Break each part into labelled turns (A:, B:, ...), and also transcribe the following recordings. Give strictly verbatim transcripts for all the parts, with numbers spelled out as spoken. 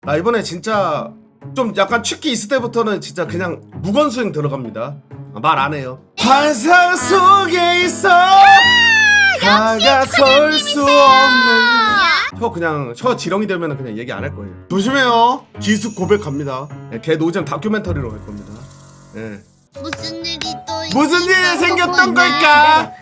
A: 나 이번에 진짜 좀 약간 취기 있을 때부터는 진짜 그냥 무건수행 들어갑니다. 말 안 해요. 환상 속에 있어 다가설 수 없는. 혀 그냥 혀 지렁이 되면 그냥 얘기 안 할 거예요. 조심해요. 기숙 고백합니다. 네, 걔 노잼 다큐멘터리로 할 겁니다. 예.
B: 무슨 일이 또
A: 무슨 일이 생겼던 걸까?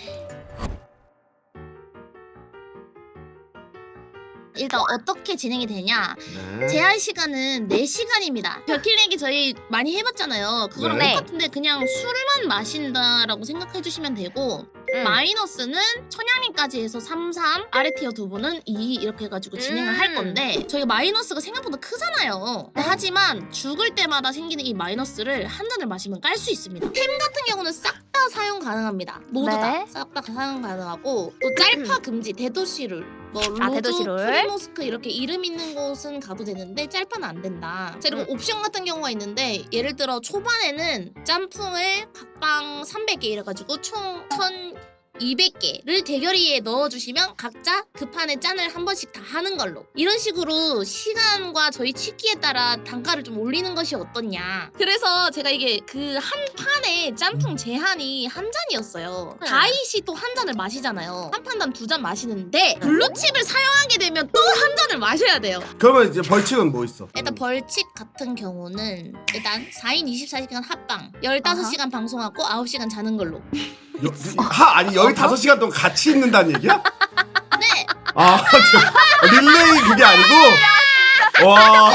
B: 일단 어떻게 진행이 되냐?
A: 네.
B: 제한 시간은 네 시간입니다. 벽킬내기 저희 많이 해봤잖아요. 그거랑
A: 네.
B: 똑같은데 그냥 술만 마신다라고 생각해 주시면 되고
C: 음.
B: 마이너스는 천양님까지 해서 삼, 삼, 아래 티어 두 분은 이 이렇게 해가지고 진행을 할
C: 음.
B: 건데 저희가 마이너스가 생각보다 크잖아요. 근데 하지만 죽을 때마다 생기는 이 마이너스를 한 잔을 마시면 깔 수 있습니다. 템 같은 경우는 싹 다 사용 가능합니다. 모두
C: 네.
B: 다 싹 다 사용 가능하고 또 짤파 금지, 대도시룰 뭐
C: 아,
B: 로드,
C: 대도시룰.
B: 프리모스크 이렇게 이름 있는 곳은 가도 되는데 짤파는 안 된다. 자, 그리고
C: 음.
B: 옵션 같은 경우가 있는데 예를 들어 초반에는 짬풍을 각방 삼백 개 이래가지고 총 천이백 개를 대결이에 넣어주시면 각자 그 판에 짠을 한 번씩 다 하는 걸로 이런 식으로 시간과 저희 치기에 따라 단가를 좀 올리는 것이 어떻냐. 그래서 제가 이게 그 한 판에 짬풍 제한이 한 잔이었어요.
C: 네.
B: 다이시 또 한 잔을 마시잖아요. 한 판당 두 잔 마시는데 블루칩을 사용하게 되면 또 한 잔을 마셔야 돼요.
A: 그러면 이제 벌칙은 뭐 있어?
B: 일단 벌칙 같은 경우는 일단 사 인 이십사 시간 합방 열다섯 시간 방송하고 아홉 시간 자는 걸로.
A: 여, 하 아니 열다섯 시간 동안 같이 있는다는 얘기야?
B: 네.
A: 아, 저, 릴레이 그게 아니고. 와.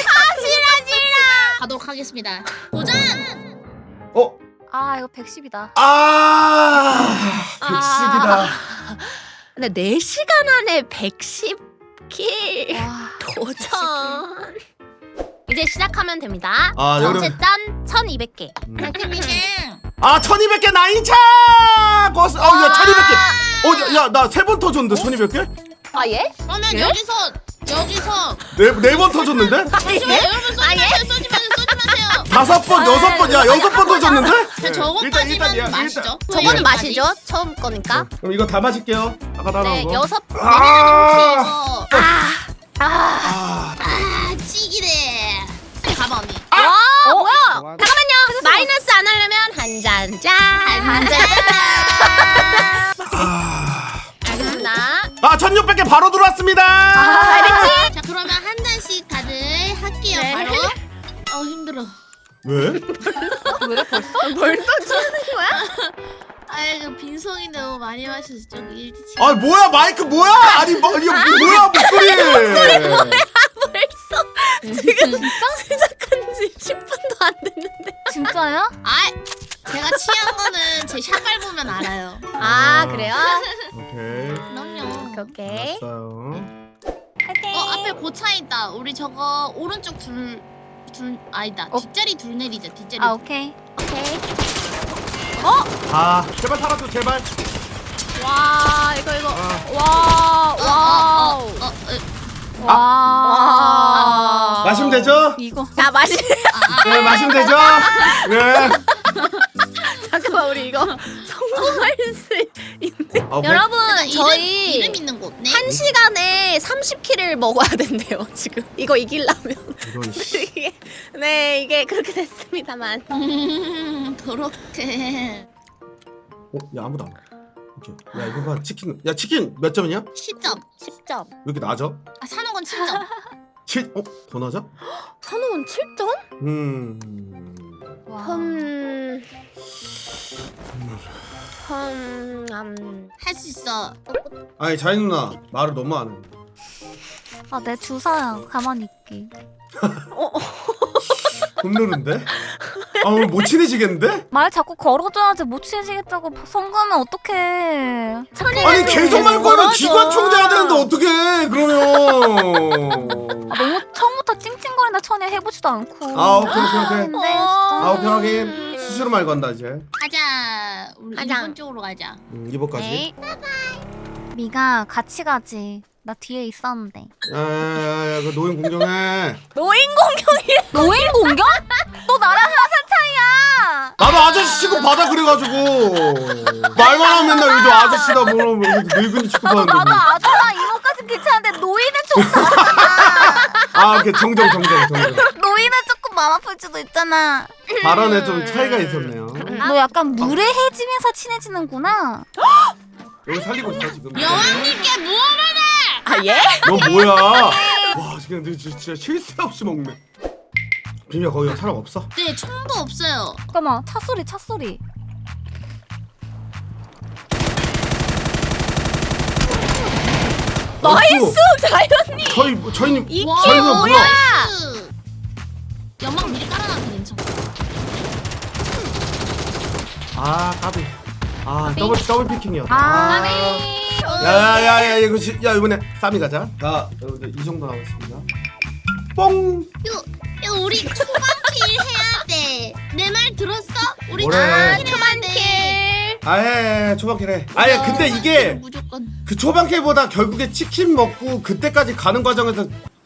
B: 가도록 하겠습니다. 도전!
A: 어?
C: 아 이거 백십이다.
A: 아, 백십이다.
D: 근데 네 시간 안에 백십 킬
C: 와.
D: 도전. 이제 시작하면 됩니다.
A: 아,
D: 전체
A: 여러분.
D: 짠 천이백 개.
A: 음.
B: 달콤이는
A: 아, 천이백 개 나인차! 고스, 어, 야, 천이백 개. 어, 야, 나 세 번 터졌는데, 천이백 개?
C: 아 예?
B: 그러면
D: 예?
B: 여기서 여기서
A: 네, 네 번 터졌는데?
B: 잠시만
D: 예?
B: 여러분 쏘지 마세요 쏘지 마세요 쏘지 마세요.
A: 다섯 번, 여섯 번, 야, 여섯 번 터졌는데?
B: 자, 저거까지만
A: 일단,
B: 마시죠.
A: 일단.
D: 저거는 마시죠. 처음 거니까.
A: 그럼 이거 다 마실게요. 아까 다 나온
D: 네
A: 거.
D: 여섯.
A: 아,
B: 이거
D: 아. 아.
A: 아,
B: 아 치기네. 빨리 가봐 언니.
D: 와.
C: 어?
D: 뭐야? 잠깐만요. 마이너스 안 하려면 한 잔 짠.
B: 한 잔.
A: 아,
D: 알겠습니다.
A: 아, 천육백 개 바로 들어왔습니다.
D: 알겠지?
B: 자 그러면 한 잔씩 다들 할게요
D: 네.
B: 바로. 어 힘들어.
A: 왜?
C: 왜 벌써?
D: 벌써 주는 거야?
B: 아이고 빈속이 너무 많이 마셔서 좀 일지치.
A: 아, 뭐야, 마이크 뭐야? 아니, 뭐, 이거 뭐야, 목소리.
D: 벌써 지금 시작한 지 십 분도 안 됐는데.
C: 진짜요?
B: 아 제가 취한 거는 제 샷발 보면 알아요.
D: 아 그래요?
A: 오케이.
B: 그럼요.
D: 오케이.
A: 알았어요.
D: 파이팅.
B: 어 앞에 고차 있다. 우리 저거 오른쪽 둘 둘 아니다.
C: 어?
B: 뒷자리 둘 내리자. 뒷자리.
C: 아 오케이.
D: 오케이.
A: 아, 제발 살아줘, 제발.
D: 와 이거 이거.
A: 아.
D: 와
B: 어,
D: 와우.
B: 어, 어, 어, 어.
C: 와.
D: 와.
A: 마시면 되죠?
C: 이거.
D: 자 마시.
A: 네, 마시면 되죠? 네.
D: 잠깐만 우리 이거 성공할 수 있는.
A: 아,
D: 여러분
B: 일단
D: 저희
B: 이름, 이름 있는 곳. 네.
D: 한 시간에 삼십 킬을 먹어야 된대요 지금. 이거 이기려면.
A: 이런 씨.
D: 이게 네 이게 그렇게 됐습니다만.
B: 음, 그렇게.
A: 어, 야, 아무도 안 와. 오케이. 야, 이거 봐, 치킨. 야, 치킨 몇 점이냐? 왜
B: 십 점.
D: 십 점.
A: 이렇게 낮아?
B: 아 사는 건 칠 점.
A: 칠, 어? 더 낮아?
D: 선우는 칠 점?
A: 음.
C: 와.
D: 흠. 흠. 음.
B: 할 수 있어.
A: 아니, 자이 누나, 말을 너무 안 해.
C: 아 내 주사야. 가만히 있기.
A: 굽누른데? 아, 오늘 못 친해지겠는데?
C: 말 자꾸 걸어줘야지 못 친해지겠다고 성가면 어떡해.
A: 아니, 계속 말 걸면 기관총 돼야 되는데, 어떡해, 그러면.
C: 아, 너무 처음부터 찡찡거린다 천에 해보지도 않고.
A: 아, 오케이, 오케이, 오케이.
C: 근데
A: 아, 오케이, 확인. 수시로 말 건다, 이제.
B: 가자. 우리
D: 가자.
B: 일본 쪽으로 가자.
A: 음, 이번까지.
D: 네.
C: 미가 같이 가지. 나 뒤에 있었는데.
A: 야, 야, 야, 야, 그 노인 공정해.
D: 노인 공격이.
C: 노인 공격? 너 나랑 한 살 차이야.
A: 나도 아저씨 취급 받아, 그래가지고. 말만 하면 맨날 요즘 아저씨다, 뭐라, 뭐, 늙은이 취급하는데.
C: 나도
A: 뭐.
C: 아줌마 이모까진 괜찮은데 노인은 좀.
A: 아, 오케이. 정정, 정정, 정정.
C: 노인은 조금 마음 아플 수도 있잖아.
A: 발언에 좀 차이가 있었네요.
C: 너 약간 무례해지면서 친해지는구나.
A: 여기 살리고 있어 지금.
B: 여왕님께 무언하네.
D: 아 예?
A: 너 뭐야? 와 지금 너 진짜, 진짜 쉴 새 없이 먹네. 비미야 거기 사람 없어?
B: 네, 총도 없어요.
C: 잠깐만, 차 소리, 차 소리.
D: 나이스 자연님.
A: 저희 저희님
D: 이게
A: 저희는 뭐야?
D: 뭐야?
B: 나이스. 연막 미리 깔아놔도 괜찮아. 아,
A: 아 까비. 아 더블 더블 피킹이었다.
C: 아,
A: 야야야야 이거 지, 야 이번에 쌈이 가자. 자 여러분들 이 정도 남았습니다. 뽕.
B: 이거 이거 우리 초반킬 해야 돼. 내 말 들었어? 우리
A: 뭐래?
B: 초반킬.
A: 아예 초반킬 해. 아예 근데 이게
B: 무조건.
A: 그 초반킬보다 결국에 치킨 먹고 그때까지 가는 과정에서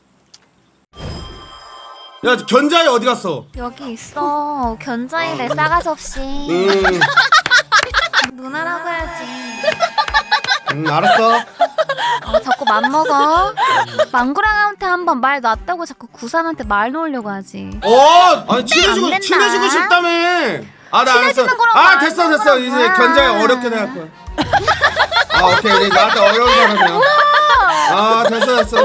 A: 야 견자이 어디 갔어?
C: 여기 있어. 견자이래, 싸가지 없이.
A: 음,
C: 누나라고 해야지.
A: 음 알았어.
C: 어, 자꾸 맘먹어. 망구랑한테 한번 말 놨다고 자꾸 구삼한테 말 놓으려고 하지.
A: 어 아니 친해지고
C: 안 된다.
A: 친해지고 싶다며. 아 나 알았어.
C: 친해지는 거랑
A: 아
C: 말하는
A: 됐어 됐어
C: 거랑
A: 이제
C: 뭐야.
A: 견자이 어렵게 대할 거야. 아 오케이 이제 나한테 어려운 사람이야. 아 됐어 됐어.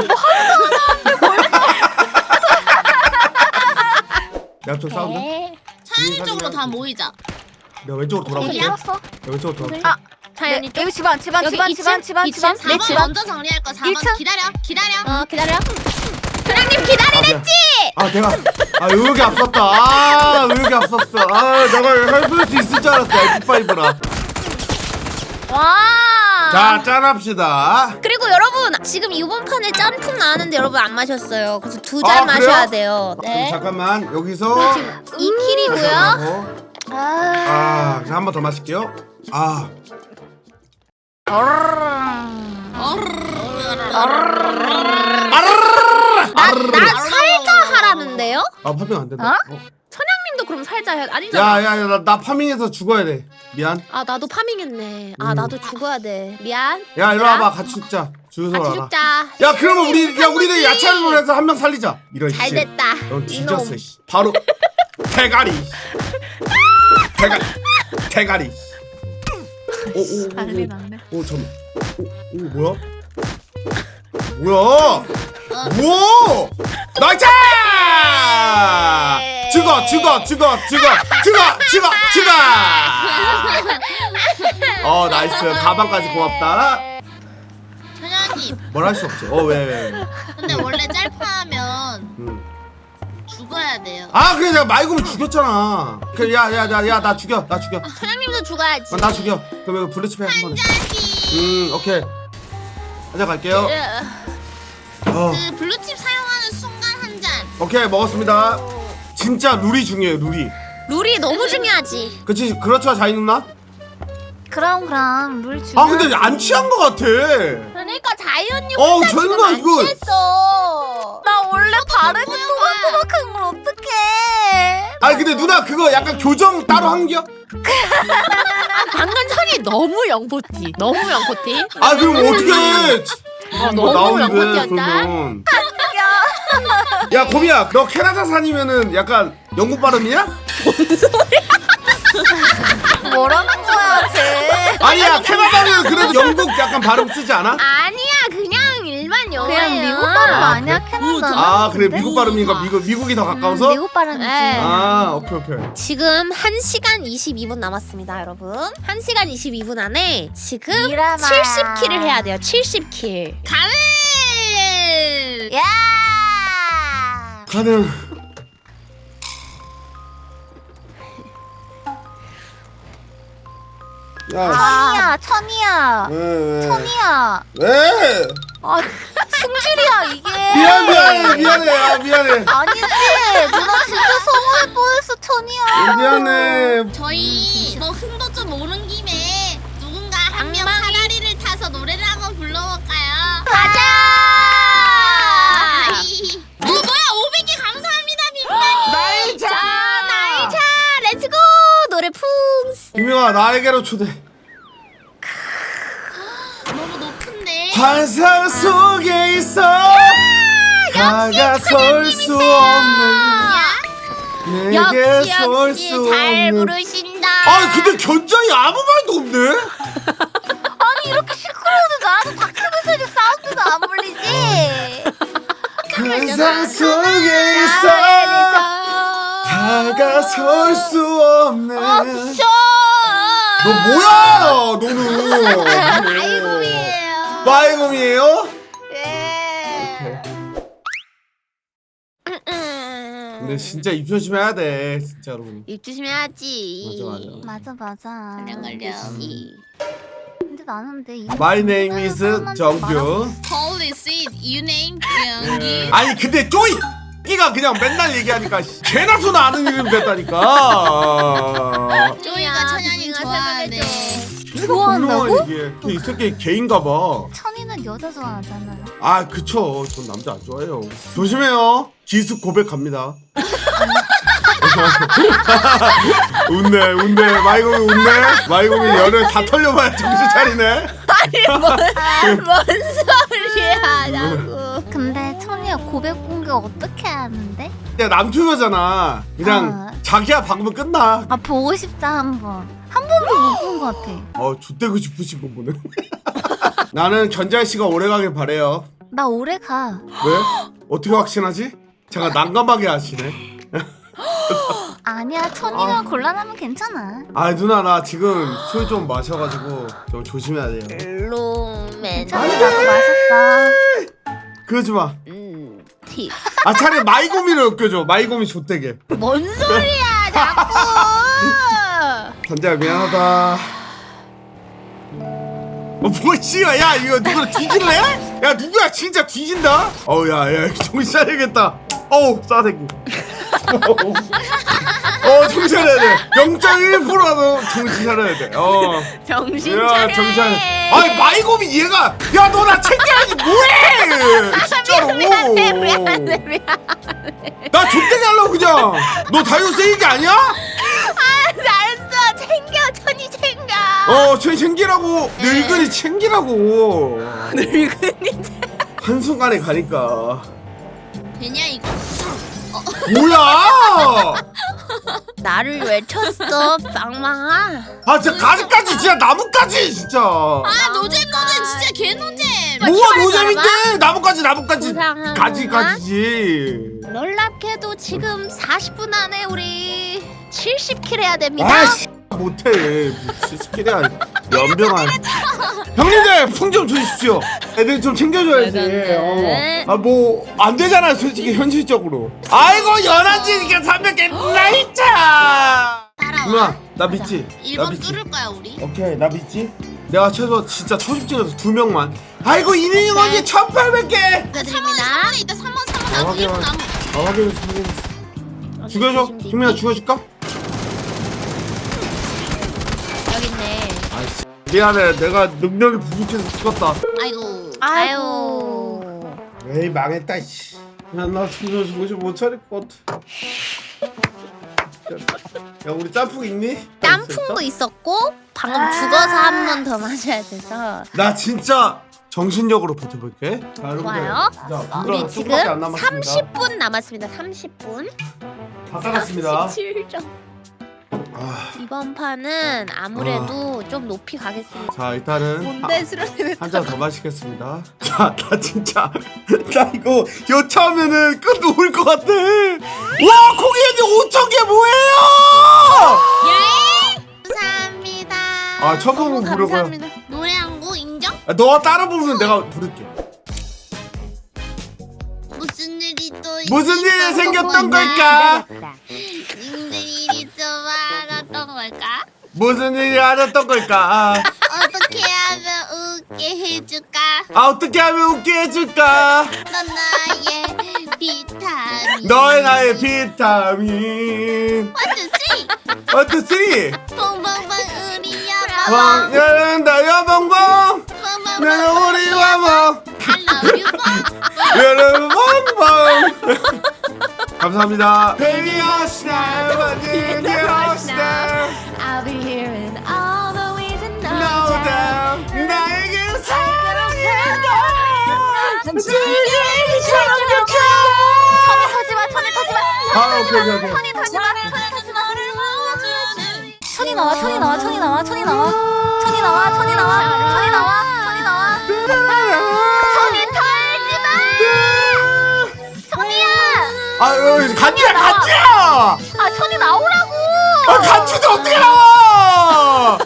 A: 야 좀 싸운다.
B: 차연이 쪽으로 다 모이자.
A: 내가 왼쪽으로 돌아볼게.
C: 여기
A: 야
C: 알았어.
A: 왼쪽으로 돌아볼게.
C: 아,
D: 자연이
C: 네, 여기 집안, 집안,
D: 여기
C: 집안,
D: 이
C: 집안,
D: 층?
C: 집안,
D: 이
C: 집안.
D: 층?
C: 네,
B: 사 번
C: 집안.
B: 먼저 정리할 거. 사 번
C: 일 층?
B: 기다려. 기다려.
D: 어 기다려.
A: 사장님 기다리랬지. 아 내가 아 의욕이 앞섰다. 아 의욕이 앞섰어. 아 내가 해볼 수 있을 줄 알았어. 에프파이브라.
D: 와.
A: 자 짠합시다.
D: 그리고 여러분 지금 이번 판에 짬뽕 나왔는데 여러분 안 마셨어요. 그래서 두
A: 아,
D: 잔
A: 그래요?
D: 마셔야 돼요.
A: 그럼
D: 네.
A: 잠깐만 여기서
D: 이 킬이고요.
A: 하고.
D: 아.
A: 아 한 번 더 마실게요. 아
D: 나, 나 살짝 하라는데요?
A: 아 파밍 안 된다.
C: 어?
A: 어?
D: 천양님도 그럼 살짝 해. 아니잖아.
A: 야야야 나, 나 파밍해서 죽어야 돼. 미안.
D: 아 나도 파밍했네. 아
A: 음.
D: 나도 죽어야 돼. 미안.
A: 야 이리 와봐 같이 죽자. 주유소
D: 같이
A: 와라.
D: 죽자.
A: 야 그러면 우리 야 우리들 야채를 해서 한 명 살리자. 이런
D: 잘
A: 씨.
D: 됐다.
A: 넌 뒤졌어.
D: 이놈.
A: 씨. 바로 대가리. 대가리. 대가리. 오오오.
C: 난리 났네.
A: 오 잠. 오, 오 뭐야? 뭐야? 뭐? 나이스! 죽어 죽어 죽어 죽어 죽어 죽어 죽어. 어 나이스 가방까지 고맙다.
B: 천연님.
A: 뭘 할 수 없지. 어왜 왜? 왜.
B: 근데 원래 짤파하면
A: 음.
B: 죽어야 돼요.
A: 아 그래 내가 말고면 죽였잖아. 그래 야야야야 나 죽여 나 죽여.
D: 천양님도 죽어야지.
A: 어, 나 죽여. 그럼 이거 블루치페 한 번에.
B: 자식.
A: 음 오케이. 가자 갈게요. 어
B: 그 블루칩 사용하는 순간 한 잔.
A: 오케이 먹었습니다. 진짜 룰이 중요해요 룰이.
D: 룰이 너무 중요하지.
A: 그치 그렇죠 자이 누나?
C: 그럼, 그럼, 룰 주.
A: 아 근데 안 취한 거 같아.
D: 그러니까 자연이
A: 어
D: 혼자
A: 자이
D: 지금
A: 누나
D: 안
A: 이거.
D: 취했어.
C: 나 원래 발음이
B: 뭐야,
C: 또박또박한 걸 어떡해.
A: 아니 근데 누나 그거 약간 교정 따로 한겨?
D: 방금 전이 너무 영포티. 너무 영포티.
A: 아 그럼 어떻게 해?
D: 아,
A: 뭐
D: 너무
A: 나오는데,
D: 영포티였다.
A: 그러면. 야 고미야 너 캐나다산이면은 약간 영국 발음이야?
C: 뭐라는 거야, 쟤.
A: 아니야 캐나다는 그래도 영국 약간 발음 쓰지 않아?
D: 아니야 그냥 일반 영어예요.
C: 그냥 미국 발음
A: 아,
C: 아니야, 캐나다.
A: 아 그래 미국 발음이니까 미국 미국이 더 가까워서?
C: 미국 발음이지.
D: 네.
A: 아 오케이 오케이.
D: 지금 한 시간 이십이 분 남았습니다, 여러분. 한 시간 이십이 분 안에 지금
C: 미라마.
D: 칠십 킬을 해야 돼요. 칠십 킬.
B: 가는.
C: 야!
A: 가능. 야
C: 천이야, 천이야.
A: 왜, 왜?
C: 천이야.
A: 왜?
C: 아, 승질이야, 이게.
A: 미안 미안해 미안해 아 미안해
C: 아니지. 누나 진짜 서운할 뻔했어, 천이야.
A: 미안해.
B: 저희 뭐 흥도 좀 오른 김에 누군가 한 명 사다리를 타서 노래를 한번 불러볼까요?
D: 가자!
B: 아이. 어 뭐야 오백 개 감사합니다 빅맨.
A: 나이차.
D: 나이차 렛츠고 노래 풍.
A: 김영아 나에게로 초대.
B: 너무 높은데.
A: 환상 속에 있어 다가설 수 없는 내게
D: 역시
A: 설
D: 역시
A: 수
D: 잘
A: 없는
D: 부르신다.
A: 아 근데 견장이 아무 말도 없네?
C: 아니 이렇게 시끄러운데 나도 다큐멘터리 사운드도 안 불리지.
A: 환상 속에 있어 다가설 수 없는
D: 어, 부셔.
A: 너 뭐야 너는
D: 마이곰이에요.
A: 마이곰이에요?
D: 예.
A: 근데 진짜 입 조심해야 돼 진짜로.
D: 입 조심해야지.
A: 맞아,
C: 맞아 맞아.
D: 걸려 걸려.
C: 근데 나는 근데 이
A: My name is 정규.
B: Holy shit, you name 경기.
A: 아니 근데 쪼이 끼가 그냥 맨날 얘기하니까 씨, 개나 소나 아는 이름 됐다니까.
B: 쪼이가 천연이 좋아하네.
C: 좋아한다고?
A: 이게 이 새끼 개인가 봐.
C: 천이는 여자 좋아하잖아요.
A: 아 그쵸 전 남자 안 좋아해요. 조심해요. 기습 고백 갑니다. 웃네 웃네 마이곰이 웃네. 마이곰이 열을 다 털려봐야 정신 차리네.
D: 뭔 소리야 나고.
C: 근데 천이가 고백 공개 어떻게 하는데?
A: 야 남투여잖아. 그냥
C: 아.
A: 자기야 박으면 끝나.
C: 아 보고 싶다 한번. 한 번도 못 본 것 같아.
A: 어 좆대고 싶으신 거 보네. 나는 견자이 씨가 오래가길 바래요.
C: 나 오래 가.
A: 왜? 어떻게 확신하지? 잠깐 난감하게 하시네.
C: 아니야 천이가
A: 아.
C: 곤란하면 괜찮아.
A: 아 누나 나 지금 술 좀 마셔가지고 좀 조심해야 돼요.
D: 로맨.
C: 천이 나도 마셨어.
A: 그러지 마.
D: 음. 팁.
A: 아 차라리 마이곰이를 엮여줘. 마이곰이 좆대게.
D: 뭔 소리야 자꾸.
A: 견자야 미안하다. 어 뭐야 야 이거 누구를 뒤질래? 야 누구야 진짜 뒤진다? 어우 야야 정신 차려야겠다. 어우 싸대기. 어 정신 차려야 돼. 영 점 일 퍼센트라도 정신 차려야 돼. 어.
D: 정신
A: 야
D: 차려.
A: 정신 차려. 아니 마이곰이 얘가 야 너 나 챙겨야지 뭐해? 진짜로.
D: 미안해 미안해 미안해.
A: 나 족대게 하려고 그냥. 너 다이어트 세이기 아니야?
D: 알았어 챙겨 천이 챙겨.
A: 어, 쟤 챙기라고. 늙은이 챙기라고.
D: 늙은이.
A: 한순간에 가니까.
B: 되냐 이거?
A: 뭐야?
D: 나를 왜 쳤어 빵망아?
A: 아, 진짜 가지까지 진짜 나뭇가지 진짜.
B: 아 노잼노잼 진짜 개노잼.
A: 뭐가 노잼인데? 나뭇가지 나뭇가지.
D: 부상하는구나.
A: 가지가지지.
D: 놀랍게도 지금 사십 분 안에 우리 칠십 킬 해야 됩니다.
A: 아씨 못해. 스킬이야 연병아. 형님들 풍 좀 주십시오. 애들 좀 챙겨줘야지.
D: 네네.
A: 어. 아뭐 안 되잖아 솔직히 현실적으로. 아이고 열한지니까 삼백 개 나이차.
B: 따라와.
A: 누나 나 믿지?
B: 일
A: 나
B: 번
A: 믿지?
B: 뚫을 거야 우리.
A: 오케이 나 믿지? 내가 최소 진짜 초집 찍어서 두 명만. 아이고 이민이 언니 천팔백 개.
D: 축하드립니다.
B: 삼 번에 있다. 삼 번, 삼 번 나무,
A: 아,
B: 일 번
A: 확인,
B: 나무.
A: 아 확인했어 확인했어. 죽여줘. 김민아 죽여줄까?
D: 여기 있네.
A: 아이씨 미안해 내가 능력이 부족해서 죽었다.
B: 아이고.
D: 아유.
A: 에이 망했다 이씨. 야나 진짜 정신 못 차릴 것 같아. 야 우리 짬뽕 있니?
D: 땀풍도 있었고 방금 죽어서 한 번 더 마셔야 돼서.
A: 나 진짜 정신력으로 버텨볼게. 자, 여러분들.
D: 좋아요.
A: 자,
D: 우리
A: 분들은
D: 지금
A: 조금밖에 안 남았습니다.
D: 삼십 분 남았습니다. 삼십 분.
A: 다 끝났습니다.
D: 삼십칠 점.
A: 아,
D: 이번 판은 아무래도 좀 높이 가겠습니다.
A: 자 일단은
D: 뭔데 수련회
A: 한 잔 더 마시겠습니다. 자, 나 진짜 나 이거 여차하면은 끝 놓을 것 같아. 와, 고객님 오천 개 뭐예요?
B: 예! 감사합니다.
A: 아, 천봉 부르고요.
D: 감사합니다.
B: 노래 한 곡 인정?
A: 아, 너가 따라 부르면 내가 부를게.
B: 무슨 일이 또
A: 무슨 일이
B: 있었던
A: 생겼던
B: 거냐?
A: 걸까?
B: 무슨 일이 좀 많았던 걸까?
A: 무슨 일이 알았던 걸까?
B: 어떻게 하면 웃게 해줄까?
A: 아, 어떻게 하면 웃게 해줄까?
B: 넌 나의 비타민.
A: 너의 나의 비타민.
B: 어쩌지?
A: 원투 쓰리.
B: 뽕뽕뽕 우리 여보.
A: 왕년은 다여봉봉.
B: 뽕뽕뽕
A: 나는 우리 와봉.
B: I love you 뽕.
A: 여러분 봉봉. 감사합니다. Baby Arsenal, Baby Arsenal.
D: I'll be here in all the ways and no
A: No
D: doubt.
A: doubt 나에게 사랑해.
C: 터지마 천이 터지마
A: 아 오케이 오케이 오케이.
C: 천이 터지마 천이 나와 천이 나와 천이 나와 천이 나와 천이 나와 천이 나와 천이 나와 천이 나와 천이 털지마 천이야
A: 아 여기 간지야
C: 나와.
A: 간지야.
C: 아 천이 나오라고
A: 아 간지도 어떻게 나와?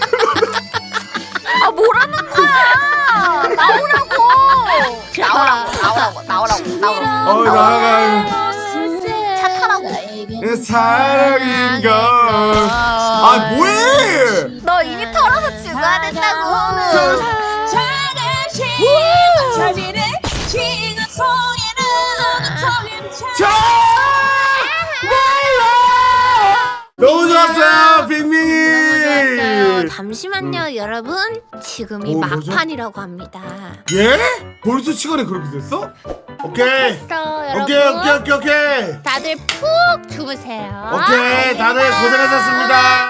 C: 아 뭐라는 거야 나오라고 나오라고 나오라고 나오라고 나오라고
A: 어 나가.
C: 차 타라고
A: 사랑인가? 아 뭐해?
C: 너 이미 털어서 죽어야 된다고
A: 자! 너무 좋았어요, 빅밍이.
D: 잠시만요 여러분 지금이
A: 어, 뭐죠?
D: 막판이라고 합니다.
A: 예? 벌써 시간이 그렇게 됐어? 오케이.
D: 여러분
A: 오케이, 오케이, 오케이, 오케이.
D: 다들 푹 주무세요.
A: 오케이, 다들 고생하셨습니다.